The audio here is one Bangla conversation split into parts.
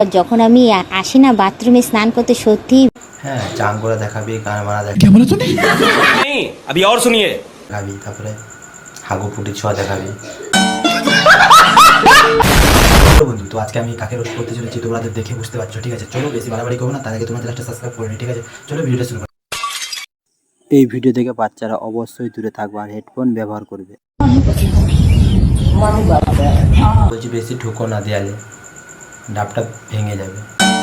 যখন আমি আসি না বাথরুমে স্নান করতে, সত্যি হ্যাঁ চান করে দেখাবি, গান মারা नहीं अभी और सुनिए দেখাবি, তারপরে হাগু ফুটি ছোঁয়া দেখাবি। বন্ধু, তো আজকে আমি কাকে রোস্ট করতে চলেছি তোমাদের দেখে বুঝতে পারছো, ঠিক আছে? চলো বেশি বাড়াবাড়ি করবো না, তার আগে তোমাদের একটা সাবস্ক্রাইব করে নি, ঠিক আছে? চলো ভিডিওটা শুরু করো। এই ভিডিও থেকে বাচ্চারা অবশ্যই দূরে থাকবে আর হেডফোন ব্যবহার করবে। বলছি বেশি ঠুকো না দেয়ালে, ডাবটা ভেঙে যাবে।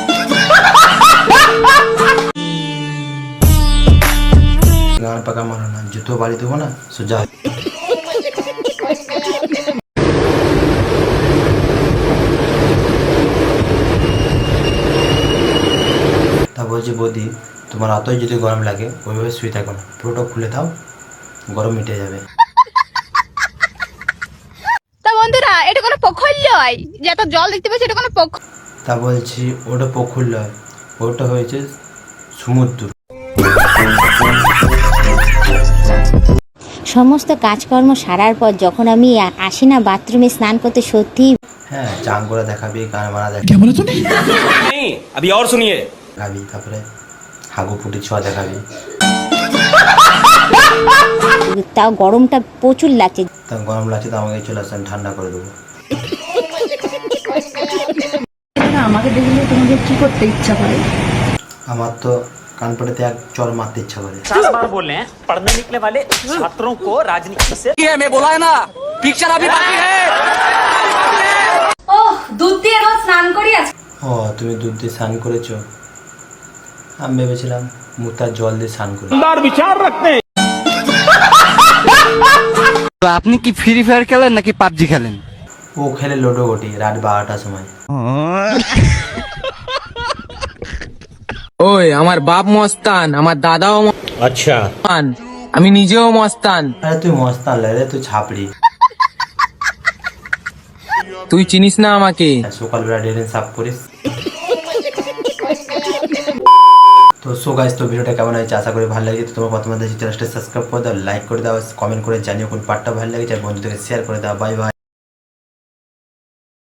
গান পাকা মারো না, জুতো বাড়ি দেবো না সোজা। তা বলছি বৌদি, তোমার অতই যদি গরম লাগে ওইভাবে শুয়ে থাকো না, পুরোটা খুলে দাও, গরম মিটে যাবে। তা বন্ধুরা, এটা কোনো পোখর নয় যে এত জল দেখতে পাচ্ছি, এটা কোনো পোখর। তা বলছি ওটা পুকুর নয়, ওটা হয়েছে সমুদ্র। সমস্ত কাজকর্ম সারার পর যখন আমি আসি না বাথরুমে স্নান করতে, সত্যি হ্যাঁ চান করে দেখাবি, গান মারা দেখাবি, नहीं अभी और सुनिए তারপরে হাগু ফুটি ছোঁয়া দেখাবি। তাও গরমটা প্রচুর লাগছে। তা গরম লাগছে তো আমাকে চলে আসেন, ঠান্ডা করে দেবো। আমাকে দেখলে তোমাদের কি করতে ইচ্ছা করে? আমার তো কান পড়েতে এক চর মারতে ইচ্ছা করে। 50 बार बोल रहे हैं पढ़ने निकले वाले छात्रों को राजनीति से मैं बोला है ना पिक्चर अभी बाकी है ওহ, দুধ দিয়ে রোজ স্নান করি আজ। ও তুমি দুধ দিয়ে স্নান করেছো? আমি ভেবেছিলাম মুতার জল দিয়ে স্নান করে। विचार रखते हैं তো আপনি কি ফ্রি ফায়ার খেলেন নাকি পাবজি খেলেন? ও খেলে লোডো গোটি রাত 12টার সময়। ওই আমার বাপ মস্তান, আমার দাদাও মস্তান, আমি নিজেও মস্তান। আরে তুই মস্তান রে, তুই ছাপড়ি। তুই চিনিস না আমাকে। সকালবেলা ড্রেন সাফ করিস। তো সো গাইস, তো ভিডিওটা কেমন হয়েছে আশা করি ভালো লেগেছে। তোমার প্রথমে চ্যানেলটা সাবস্ক্রাইব করে দাও, লাইক করে দাও, কমেন্ট করে জানিও কোন পার্টটা ভালো লেগেছে, আর বন্ধুদেরকে শেয়ার করে দাও। Bye by.